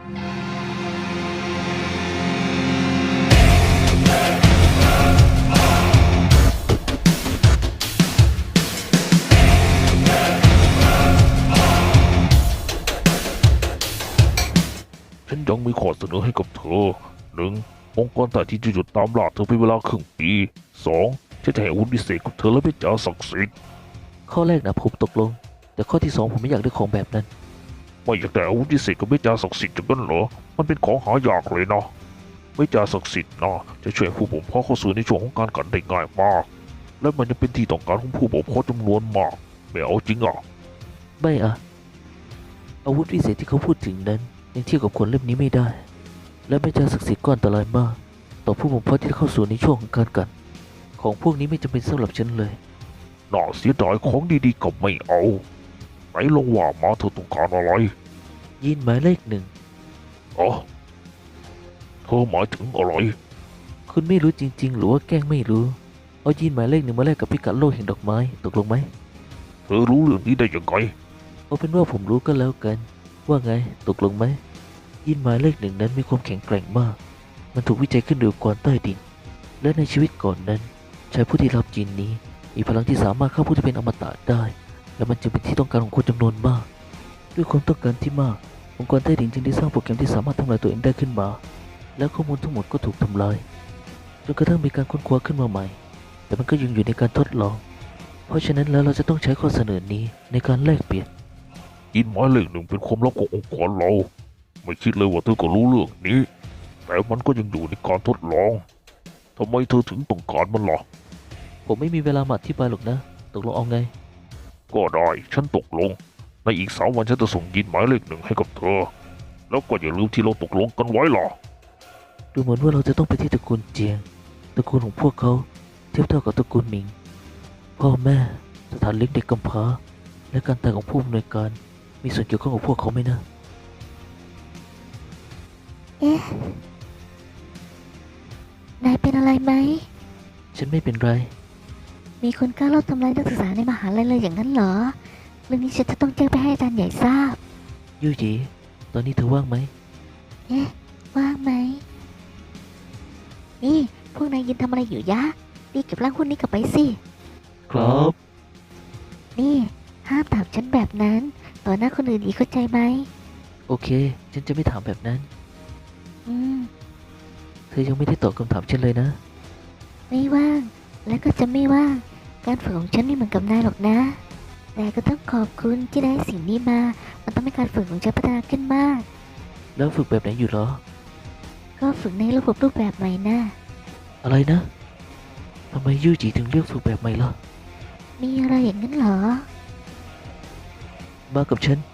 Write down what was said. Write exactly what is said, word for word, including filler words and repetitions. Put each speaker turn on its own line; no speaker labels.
ฉันยังมีข้อเสนอให้กับเธอหนึ่งองค์กรต่างที่จะหยุดตามล่าเธอเป็นเวลาครึ่งปีสองฉันจะให้อาวุธพิเศษกับเธอและเป็นจ่าศักดิ์สิทธิ์
ข้อแรกนะผมตกลง แต่ข้อที่สองผมไม่อยากได้ของแบบนั้น
ไม่อยากได้อาวุธพิเศษกับเมจ่าศักดิ์สิทธิ์จังนั้นเหรอมันเป็นของหายากเลยนะเมจ่าศักดิ์สิทธิ์นะจะช่วยผู้บ่มเพาะเข้าสู่ในช่วงของการกันได้ง่ายมาก และมันยังเป็นที่ต้องการของผู้บ่มเพาะจำนวนมากไม่เอาจริงอ่ะ
ไม่อะอาวุธพิเศษที่เขาพูดถึงนั้นยังเทียบกับขวดเล่มนี้ไม่ได้ และไม่เจอศักดิ์สิทธิ์ก็อันตรายมาก ต่อผู้บ่มเพาะที่เข้าสู่ในช่วงของการกัดของพวกนี้ไม่จำเป็นสำหรับฉันเลย
น่าเสียดายของดีๆก็ไม่เอาไหนลองว่ามาเธอต้องการอะไร
ยีนหมายเลขหนึ่ง
อ๋อเธอหมายถึงอะไร
คุณไม่รู้จริงๆ หรือว่าแกล้งไม่รู้ เอายีนหมายเลขหนึ่งมาแลกกับพิกัดโลกแห่งดอกไม้ตกลงไหม
เธอรู้เรื่องนี้ได้ยังไง
เอาเป็นว่าผมรู้ก็แล้วกัน ว่าไงตกลงไหมยีนหมายเลขหนึ่งนั้นมีความแข็งแกร่งมาก มันถูกวิจัยขึ้นโดยองค์กรใต้ดิน และในชีวิตก่อนนั้นชายผู้ที่รับยีนนี้มีพลังที่สามารถฆ่าผู้ที่เป็นอมตะได้ และมันจึงเป็นที่ต้องการของคนจำนวนมาก ด้วยความต้องการที่มาก องค์กรใต้ดินจึงได้สร้างโปรแกรมที่สามารถทำลายตัวเองได้ขึ้นมา และข้อมูลทั้งหมดก็ถูกทำลายจนกระทั่งมีการค้นคว้าขึ้นมาใหม่ แต่มันก็ยังอยู่ในการทดลอง เพราะฉะนั้นแล้วเราจะต้องใช้ข้อเสนอนี้ในการแลกเปลี่ยน
ยินหมายเลขหนึ่งเป็นความลับขององค์กรเรา ไม่คิดเลยว่าเธอก็รู้เรื่องนี้ แต่มันก็ยังอยู่ในการทดลองทำไมเธอถึงต้องการมันล่ะ
ผมไม่มีเวลามาอธิบายหรอกนะ ตกลงเอาไง
ก็ได้ฉันตกลง ในอีกสามวันฉันจะส่งยินหมายเลขหนึ่งให้กับเธอ แล้วก็อย่าลืมที่เราตกลงกันไว้ล่ะ
ดูเหมือนว่าเราจะต้องไปที่ตระกูลเจียง ตระกูลของพวกเขาเทียบเท่ากับตระกูลหมิง พ่อแม่ สถานเลี้ยงเด็กกำพร้า และการตายของผู้อำนวยการ มีส่วนเกี่ยวข้องกับพวกเขาไหมนะ
เอ๊ะ นายเป็นอะไรไหม
ฉันไม่เป็นไร
มีคนกล้าลอบทำร้ายนักศึกษาในมหาลัยเลยอย่างนั้นเหรอ เรื่องนี้ฉันจะต้องแจ้งไปให้อาจารย์ใหญ่ทราบ
ยูจี ตอนนี้เธอว่างไหม
เอ๊ะ ว่างไหม นี่ พวกนายยืนทำอะไรอยู่ยะรีบเก็บร่างหุ้นนี้กลับไปสิ
ครับ
นี่ ห้ามถามฉันแบบนั้น ต่อหน้าคนอื่นอีกเข้าใจไหม
โอเค ฉันจะไม่ถามแบบนั้น
อืม
เธอยังไม่ได้ตอบคำถามฉันเลยนะ
ไม่ว่าง และก็จะไม่ว่าง การฝึกของฉันไม่เหมือนกับนายหรอกนะ แต่ก็ต้องขอบคุณที่ได้สิ่งนี้มา มันทำให้การฝึกของฉันพัฒนาขึ้นมาก
แล้วฝึกแบบไหนอยู่เหรอ
ก็ฝึกในระบบรูปแบบใหม่นะ
อะไรนะ ทำไมยูจีถึงเลือกฝึกแบบใหม่ล่ะ
มีอะไรอย่างนั้นเหรอ
มากับฉัน